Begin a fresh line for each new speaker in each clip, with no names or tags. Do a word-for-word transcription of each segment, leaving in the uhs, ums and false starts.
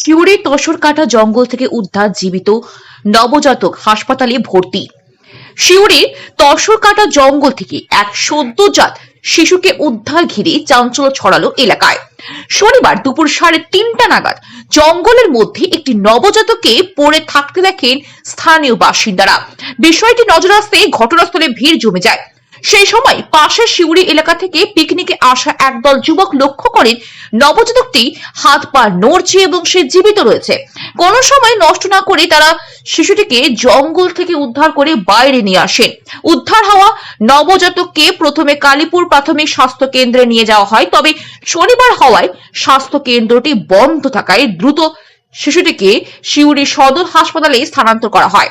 সিউড়ির তসরকাটা জঙ্গল থেকে উদ্ধার জীবিত নবজাতক, হাসপাতালে ভর্তি। সিউড়ির তসরকাটা জঙ্গল থেকে এক সদ্যজাত শিশুকে উদ্ধার ঘিরে চাঞ্চল্য ছড়ালো এলাকায়। শনিবার দুপুর সাড়ে তিনটা নাগাদ জঙ্গলের মধ্যে একটি নবজাতককে পড়ে থাকতে দেখেন স্থানীয় বাসিন্দারা। বিষয়টি নজরে আসতে ঘটনাস্থলে ভিড় জমে যায়। সেই সময় পাশের শিউড়ি এলাকা থেকে পিকনিকে আসা একদল যুবক লক্ষ্য করেন নবজাতকটি হাত পা নড়ছে এবং সে জীবিত রয়েছে। কোনো সময় নষ্ট না করে তারা শিশুটিকে জঙ্গল থেকে উদ্ধার করে বাইরে নিয়ে আসেন। উদ্ধার হওয়া নবজাতককে প্রথমে কালীপুর প্রাথমিক স্বাস্থ্য কেন্দ্রে নিয়ে যাওয়া হয়, তবে শনিবার হওয়ায় স্বাস্থ্য কেন্দ্রটি বন্ধ থাকায় দ্রুত শিশুটিকে সিউড়ি সদর হাসপাতালে স্থানান্তর করা হয়।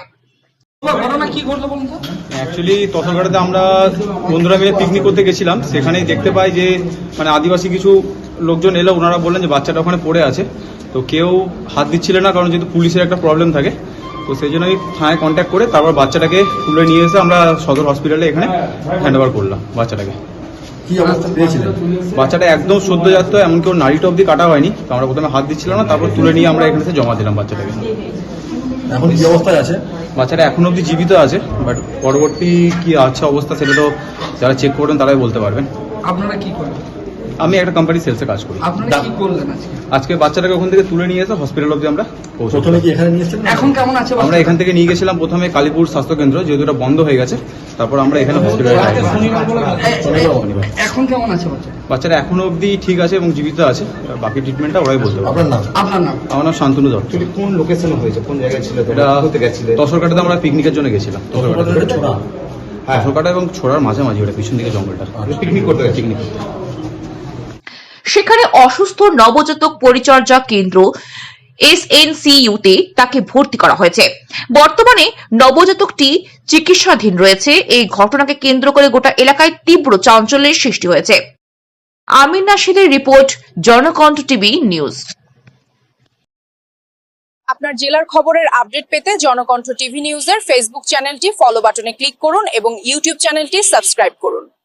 অ্যাকচুয়ালি তসরঘাটাতে আমরা বন্ধুরা মিলে পিকনিক করতে গেছিলাম। সেখানেই দেখতে পাই যে মানে আদিবাসী কিছু লোকজন এলো, ওনারা বললেন যে বাচ্চাটা ওখানে পড়ে আছে। তো কেউ হাত দিচ্ছিল না, কারণ যেহেতু পুলিশের একটা প্রবলেম থাকে। তো সেই জন্যই থানায় কন্ট্যাক্ট করে তারপর বাচ্চাটাকে তুলে নিয়ে এসে আমরা সদর হসপিটালে এখানে হ্যান্ড ওভার করলাম বাচ্চাটাকে।
কি অবস্থা পেয়েছিলেন?
বাচ্চাটা একদম সদ্যজাত, এমনকি ওর নাড়িটা অব্দি কাটা হয়নি। তো আমরা প্রথমে হাত দিচ্ছিলাম না, তারপর তুলে নিয়ে আমরা এখানে জমা দিলাম বাচ্চাটাকে।
এখন কি অবস্থায় আছে?
বাচ্চাটা এখন অব্দি জীবিত আছে, বাট পরবর্তী কি আছে অবস্থা সেটা তো যারা চেক করবেন তারাই বলতে পারবেন।
আপনারা কি করেন?
আমি একটা কোম্পানি সেলসে কাজ করি।
আপনারা কি করলেন আজকে?
আজকে বাচ্চাটাকে ওখান থেকে তুলে নিয়ে এসে হসপিটাল অব্দি আমরা পৌঁছালাম।
প্রথমে কি এখানে নিয়ে এসেছিলেন?
এখন কেমন আছে?
আমরা এখান থেকে নিয়ে গেছিলাম প্রথমে কালীপুর স্বাস্থ্য কেন্দ্র, যেহেতু এটা বন্ধ হয়ে গেছে। তারপর আমরা এখানে হসপিটালে
এখন কেমন আছে বাচ্চা?
বাচ্চাটা এখনো অব্দি ঠিক আছে এবং জীবিত আছে। বাকি ট্রিটমেন্টটা ওরাই বলতে পারবে।
আপনার নাম?
আপনার নাম?
আমার নাম শান্তনু দত্ত।
কোন লোকেশনে হয়েছে, কোন জায়গায় ছিল?
এটা
কোথায় গেছিলেন?
তসরকাটাতে আমরা পিকনিকের জন্য গেছিলাম।
তসরকাটা ছোড়া?
হ্যাঁ,
তসরকাটা এবং ছোড়ার মাঝামাঝি, ওটা পিছন দিকে জঙ্গলটা।
পিকনিক করতে গেছে।
পিকনিক
সেখানে অসুস্থ নবজাতক পরিচর্যা কেন্দ্র এস এন সি ইউ তে তাকে ভর্তি করা হয়েছে। বর্তমানে নবজাতকটি চিকিৎসাধীন রয়েছে। এই ঘটনাকে কেন্দ্র করে গোটা এলাকায় তীব্র চাঞ্চল্যের সৃষ্টি হয়েছে। আমির নাশিদের রিপোর্ট, জনকণ্ঠ টিভি নিউজ।
আপনার জেলার খবরের আপডেট পেতে জনকণ্ঠ টিভি নিউজের ফেসবুক চ্যানেলটি ফলো বাটনে ক্লিক করুন এবং ইউটিউব চ্যানেলটি সাবস্ক্রাইব করুন।